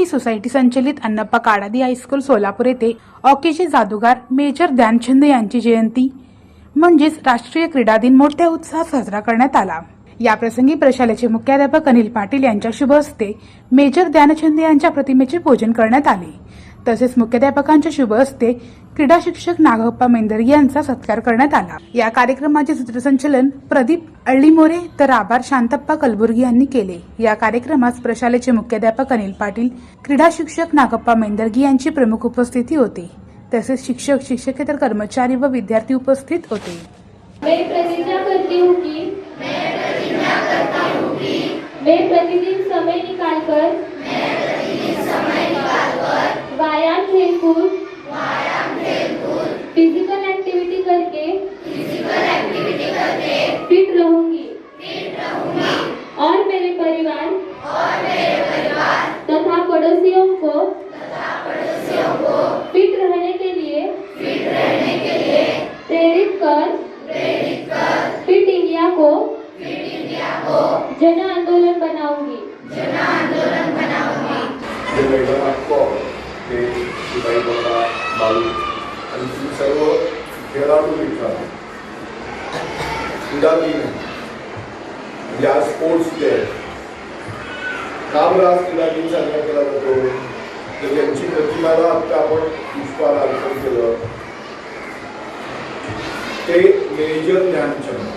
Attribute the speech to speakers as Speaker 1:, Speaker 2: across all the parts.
Speaker 1: Society संचलित अण्णप्पा काडादी high school Solapur येथे हॉकीचे जादूगार मेजर ध्यानचंद यांची जयंती म्हणजेच राष्ट्रीय क्रीडा दिन मोठ्या उत्साहात साजरा करण्यात आला। या प्रसंगी प्रशालेचे मुख्याध्यापक अनिल पाटील यांच्या शुभ हस्ते मेजर ध्यानचंद यांच्या प्रतिमेचे पूजन करण्यात आले। तसेच मुख्याध्यापकांच्या शुभ हस्ते क्रीडा शिक्षक नागप्पा मेंदरगी यांचा सत्कार करण्यात आला। या कार्यक्रमाचे सूत्रसंचालन प्रदीप अळ्ळीमोरे तर आभार शांतप्पा कलबुर्गी यांनी केले। या कार्यक्रमास प्रशालेचे मुख्याध्यापक अनिल पाटील, क्रीडा शिक्षक नागप्पा मेंदरगी यांची प्रमुख उपस्थिती होती। तसेच शिक्षक, शिक्षकेतर कर्मचारी व विद्यार्थी उपस्थित होते।
Speaker 2: मैं प्रतिज्ञा करती हूँ कि मैं प्रतिदिन समय निकालकर व्यायाम खेलकूद फिजिकल एक्टिविटी करके फिट रहूंगी और मेरे परिवार तथा पड़ोसियों को फिट रहने के लिए प्रेरित कर फिट इंडिया को जन आंदोलन बनाऊंगी।
Speaker 3: शिवाई बाबा बालू आणि सर्व खेळाडू मित्रांनो, क्रीडा दिन म्हणजे आज स्पोर्ट्स डे। का बरं आज क्रीडा दिन साजरा केला जातो? तर त्यांची प्रतिमाला आता आपण पुष्पहार अर्पण केलं। ते मेजर ध्यानचंद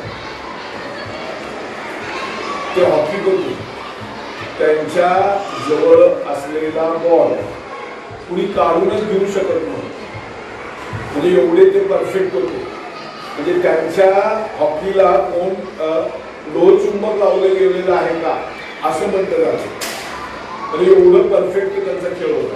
Speaker 3: ते हॉकीपटू, त्यांच्या जवळ असलेला बॉल कुणी काढूनच घेऊ शकत नव्हतं, म्हणजे एवढे ते परफेक्ट होते। म्हणजे त्यांच्या हॉकीला कोण लोहचुंबक लावलं गेलेलं आहे का असं म्हटलं जातं, म्हणजे एवढं परफेक्ट त्यांचा खेळ होता।